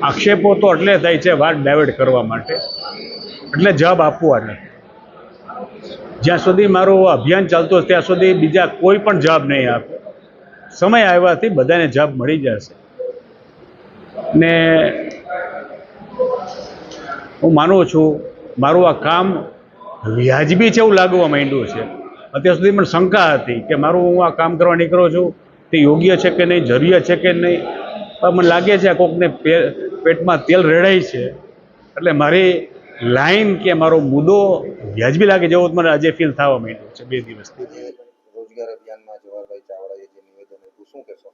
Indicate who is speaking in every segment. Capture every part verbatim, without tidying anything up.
Speaker 1: આક્ષેપો તો એટલે થાય છે વાત ડાયવર્ટ કરવા માટે, એટલે જવાબ આપવા નથી. જ્યાં સુધી મારું અભિયાન ચાલતું હશે ત્યાં સુધી બીજા કોઈ પણ જવાબ નહીં આપે. સમય આવ્યાથી બધાને જવાબ મળી જશે. ને હું માનું છું મારું આ કામ વ્યાજબી છે એવું લાગવા માંડ્યું છે. અત્યાર સુધી પણ શંકા હતી કે મારું હું આ કામ કરવા નીકળો છું તે યોગ્ય છે કે નહીં, જરૂરિયાત છે કે નહીં. પણ મને લાગે છે આ કોકને પેટમાં તેલ રેડાય છે, એટલે મારી લાઈન કે મારો મુદ્દો વ્યાજબી લાગે જેવું મને આજે ફીલ થવા માંડ્યું છે બે દિવસથી.
Speaker 2: રોજગાર અભિયાનમાં જવાહરભાઈ ચાવડાએ જે નિવેદન આપ્યું, શું કહેશો?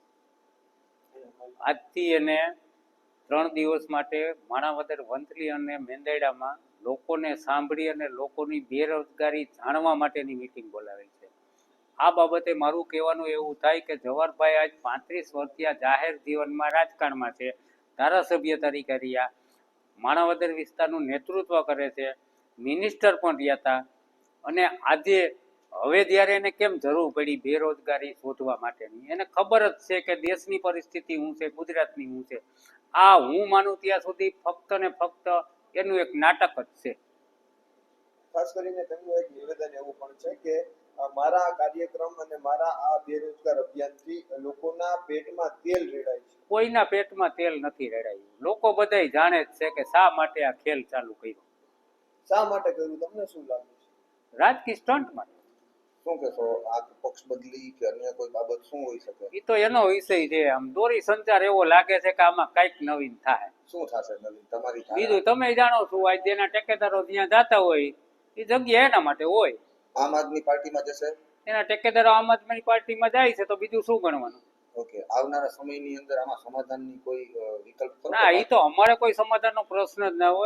Speaker 3: આજથી એને ત્રણ દિવસ માટે માણાવદર, વંથલી અને મેંદરડામાં લોકોને સાંભળી અને લોકોની બેરોજગારી જાણવા માટેની મિટિંગ બોલાવેલ છે. આ બાબતે મારું કહેવાનું એવું થાય કે જવાહરભાઈ આજ પાંત્રીસ વર્ષથી જાહેર જીવનમાં રાજકારણમાં છે, ધારાસભ્ય તરીકે રહ્યા, માણાવદર વિસ્તારનું નેતૃત્વ કરે છે, મિનિસ્ટર પણ રહ્યા હતા. અને આજે હવે જ્યારે એને કેમ જરૂર પડી બેરોજગારી શોધવા માટેની, એને ખબર જ છે કે દેશની પરિસ્થિતિ શું છે, ગુજરાતની શું છે. આ હું માનું ત્યાં સુધી ફક્ત ને ફક્ત એનું એક નાટક જ છે.
Speaker 2: ખાસ કરીને તેમનું એક નિવેદન એવું પણ છે કે મારા કાર્યક્રમ અને મારા આ બેરોજગાર અભિયાનથી લોકોના પેટમાં તેલ રેડાય છે.
Speaker 3: કોઈના પેટમાં તેલ નથી રેડાયું. લોકો બધાય જાણે જ છે કે શા માટે આ ખેલ ચાલુ કર્યો.
Speaker 2: શા માટે કર્યું તમને શું લાગે છે?
Speaker 3: રાજકીય સ્ટન્ટ માટે.
Speaker 2: શું કહેશો? આ પક્ષ બદલી કે અન્ય કોઈ બાબત શું હોઈ શકે?
Speaker 3: એ તો એનો વિષય છે. આમ દોરી સંચાર એવો લાગે છે કે આમાં કઈક નવીન થાય.
Speaker 2: શું થશે નવીન તમારી?
Speaker 3: બીજું તમે જાણો છો, આજ જેના ટેકેદારો જ્યાં જતા હોય એ જગ્યા એના માટે હોય.
Speaker 2: આમ આદમી પાર્ટીમાં જશે?
Speaker 3: એના ટેકેદારો આમ આદમી પાર્ટીમાં જાય છે તો બીજું શું ગણવાનું?
Speaker 2: ઓકે, આવનારા સમયની અંદર આમાં સમાધાનની કોઈ વિકલ્પ?
Speaker 3: ના, એ તો અમારે કોઈ સમાધાનનો પ્રશ્ન જ ના હોય.